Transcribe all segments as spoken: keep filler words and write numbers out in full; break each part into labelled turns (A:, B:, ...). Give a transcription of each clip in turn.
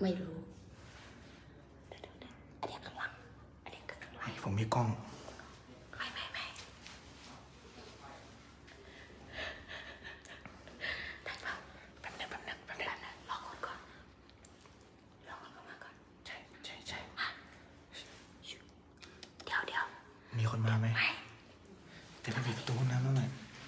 A: ไม่รู้อันนี้ข้างหลังอันนี้ข้างหลัง
B: ผมมีกล้อง
A: ไม่ไม่ไม่ได้ป่ะแป๊บนึงแป๊บนึงแป๊บนึงรอคนก่อนรอคนเข้ามาก่อน
B: ใช่ใช่ใช่
A: เดี๋ยวเดี๋ยว
B: มีคนมาไหม
A: ไม่
B: แต่ไปปิดประตูน้ำแล้วหน่อย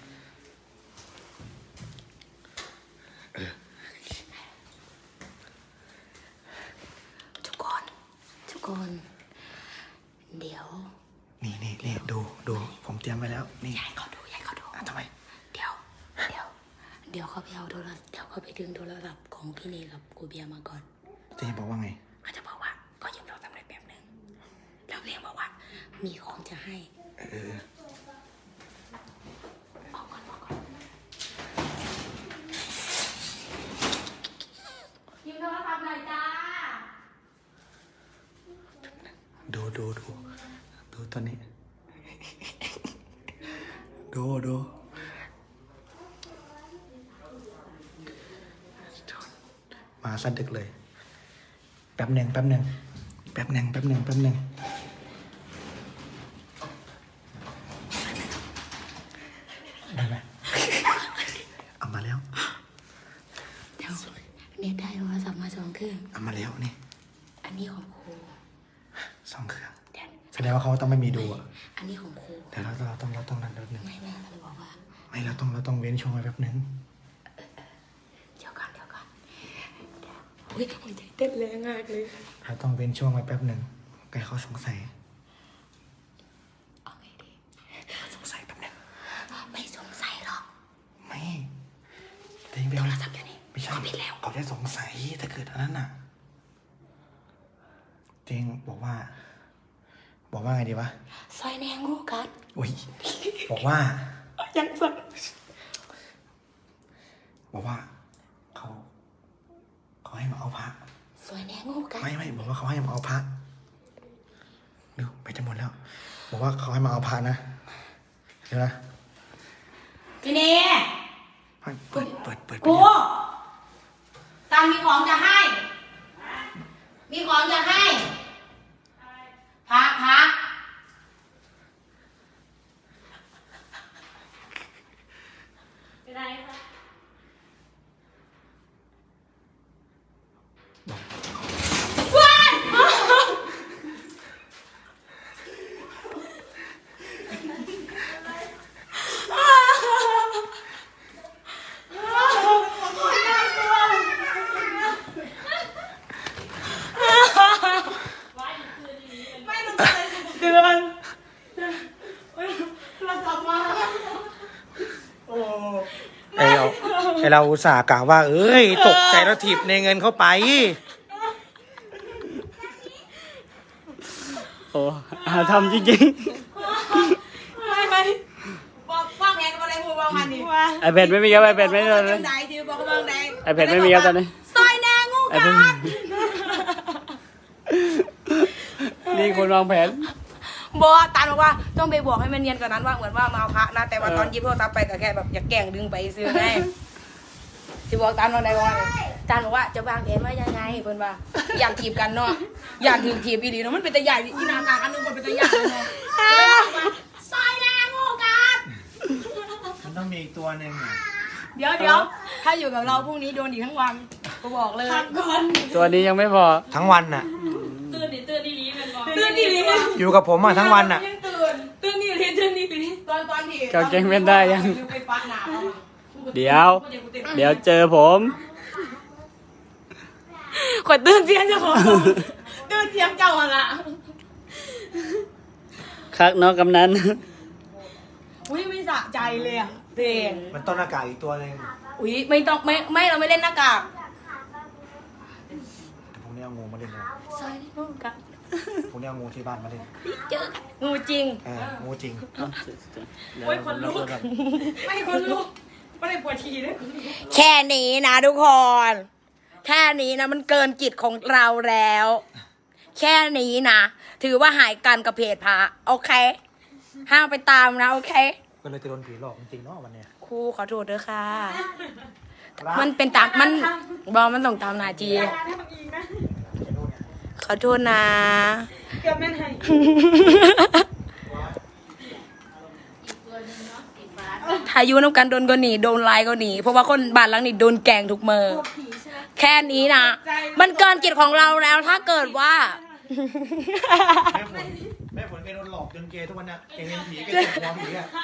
A: ทุกคนทุกคนเดี๋ยว
B: นี่นี่นี่ดูดูผมเตรียมไว้แล้วนี่
A: ยายเขาดูยายเขาดู
B: ทำไม
A: เดี๋ยวเดี๋ยวเดี๋ยวเขาไปเอาโทรศัพท์เดี๋ยวเขาไปดึงโทรศัพท์ของพี่เนกับกูเบียมาก่อน
B: เจ๊บอกว่าไง
A: เขาจะบอกว่าก็ยืมโทรศัพท์ได้แป๊บนึงแล้วเรียกบอกว่ามีของจะให้
B: เออ
A: บอกก่อนบอกก่อนยืมโทรศัพท์หน่อยจ้า
B: ดูดูดูดูตอนนี้ดูดูมาสะดึกเลยแป๊บหนึ่งแป๊บหนึ่งแป๊บหนึ่งแป๊บหนึ่งแป๊บหนึ่งได้ไหมเอามาแล้ว
A: เดี๋ยวเนี่ยได้โทรศัพท์มาสองเครื่อง
B: เอามาแล้วนี่
A: อันนี้ของครู
B: สองเครื่องแสดงว่าเขาต้องไม่มีดูอ่ะ
A: อันนี้ของครู
B: เดี๋ยวเราเราต้องเราต้องนั่นแป๊บนึง
A: ไม่ไม่เขาบอกว่า
B: ไม่เราต้องเราต้องเว้นช่วงไว้แป๊บนึง
A: เดี๋ยวก่อนเดี๋ยวก่อนอุ้ยใจเต้นแรงมากเลย
B: เราต้องเว้นช่วงไว้แป๊บนึงแกเขาสงสัย
A: เอาไงดี
B: เขาสงสัยแป๊บนึง
A: ไม่สงสัยหรอก
B: ไม่แต่ยังเป็นโทรศัพท์อยู่นี่ไม่ใช่เขาได้สงสัยถ้าเกิดอันนั้นน่ะเจงบอกว่าบอกว่าไงดีวะ
A: ซอยแนงงูกัด
B: อุ้ยบอกว่า
A: ยังสั่น
B: บอกว่าเขาเขาให้มาเอาพระ
A: ซอยแนงงูกัด
B: ไม่ไม่บอกว่าเขาให้มาเอาพระดูไปจะหมดแล้วบอกว่าเขาให้มาเอาพระนะเดี๋ยวนะ
A: พี่เน
B: เปิดเปิดเปิดเปิด
A: กูตามมีของจะให้มีของจะให้พักพักเป็นไรคะว้ายเดือนเราสับมาโอ้
B: ไอเราไอเราอุตส่าห์กล่าวว่าเอ้ยตกใจแล้วถีบในเงินเข้าไป
C: โอ้อาทำจริง
A: ๆไม่ไม่บอกฟังแงกันอะไรพูดบ้างมันดิ
C: ไอแพดไม่มีครับไอแพดไม่มีเลยไอแพดไม่มีครับตอนนี้
A: ซอยแนงงูกัด
C: นี่คนวางแผน
A: บอกตาบอกว่าต้องไปบอกให้มันเนียนกว่านั้นว่าเหมือนว่ามาเอาพระนะแต่ว่าตอนยิบโทรศัพท์ไปก็แค่แบบอยากแกล้งดึงไปซื้อไงที่บอกตามตอนไหนบอกตาบอกว่าจะวางแผนว่ายังไงเพิ่นว่าอยากถีบกันเนาะอยากถีบถีบอีดีเนาะมันเป็นตะใหญ่อีนาตาอันนึงมันเป็นตะใหญ่เลยซอยแนงงูกัด
B: มันต้องมีอีกตัวหนึ่ง
A: เดี๋ยวเดี๋ยวถ้าอยู่กับเราพรุ่งนี้โดนอีกทั้งวันกูบอกเลย
C: ตัวนี้ยังไม่พอ
B: ทั้งวันน่ะ
A: ตื่นดิตื่นดีลีมันบอกตื่นดีลี
B: อยู่กับผมอ่ะทั้งวันน่ะ
A: ตื่นตื่นดีลีตื่นดีลีตอนตอนที่
C: เขาเก่งเป็นได้ยังเดี๋ยวเดี๋ยวเจอผม
A: ขวดตื่นเสียงเจ้าของตื่นเสียงเจ้าละ
C: คักน้องกำนัน
A: อุ้ยไม่สะใจเลยอ่ะเพลง
B: มันต้นหน้ากากอีกตัวนึง
A: อุ้ยไม่ต้องไม่ไม่เราไม่เล่นหน้ากาก
B: แต่พวกนี้เอางูมาเล่นนะ
A: ซอยนี่งูกัด
B: พวกนี้เอางูที่บ้านมาเล่น
A: เจอกันงูจริง
B: เอองูจริง
A: โอ้ยคนลุกไม่คนลุกไม่ได้ปวดฉี่เลยแค่นี้นะทุกคนแค่นี้นะมันเกินจิตของเราแล้วแค่นี้นะถือว่าหายกันกับเพจพระโอเคห้ามไปตามนะโอเค
B: ก็เลยจะโดนผีหลอกจริงๆเนาะวันเนี้ย
A: ครูขอโทษด้วยค่ะมันเป็นตามมันบอกมันต้องตามนาจีขอโทษนะ
D: เกือบแม่นให้
A: ถ้าอยูน้ำกันโดนก็หนีโดนไล่ก็หนีเพราะว่าคนบ้านหลังนี้โดนแกล้งทุกเมื่อแค่นี้นะมันเกินกิจของเราแล้วถ้าเกิดว่า
B: แม่ฝนแม่ฝนแกโดนหลอกจนเกย์ทุกวันน่ะแกเห็นผีแกเจ็บหัวผีอ่ะ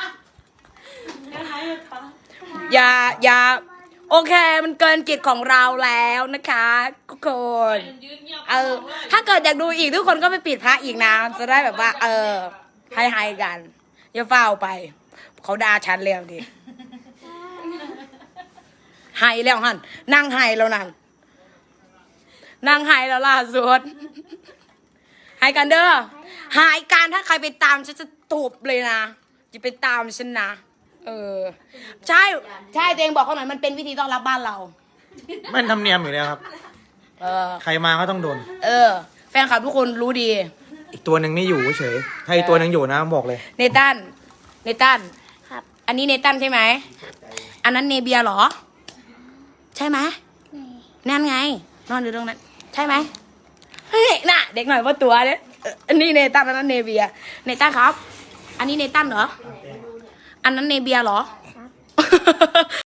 A: อย่าอย่าโอเคมันเกินกิจของเราแล้วนะคะทุกคนเออถ้าเกิดอยากดูอีกทุกคนก็ไปปิดพระอีกนะจะได้แบบว่า เออให้ให้กันอย่าเฝ้าไปเขาด่าฉันแล้วดิไห้แล้วฮันนั่งไห้แล้วนั่นนั่งไห้แล้วล่าสุดไห้กันเด้อหายการถ้าใครไปตามฉันจะตูบเลยนะอย่าไปตามฉันนะเออใช่ใช่ตัวเองบอกเขาหน่อยมันเป็นวิธีต้อนรับบ้านเรา
B: มันทำเนียมอยู่แล้วครับ
A: เออ
B: ใครมาก็ต้องโดน
A: เออ แฟนคลับทุกคนรู้ดี
B: อีกตัวหนึ่งไม่อยู่เฉยถ้าอีกตัวหนึ่งอยู่นะบอกเลย
A: เนตันเนตันครับ อันนี้เนตันใช่ไหมอันนั้นเนเบียเหรอ ใช่ไหมนั่นไง นอนอยู่ตรงนั้น ใช่ไหมเฮ้ยน่ะ เด็กหน่อยว่าตัวเนี่ยเอออันนี้เนตันอันนั้นเนเบียเนตันครับ อันนี้เนตันเหรอ อันนั้นเนเบียเหรอ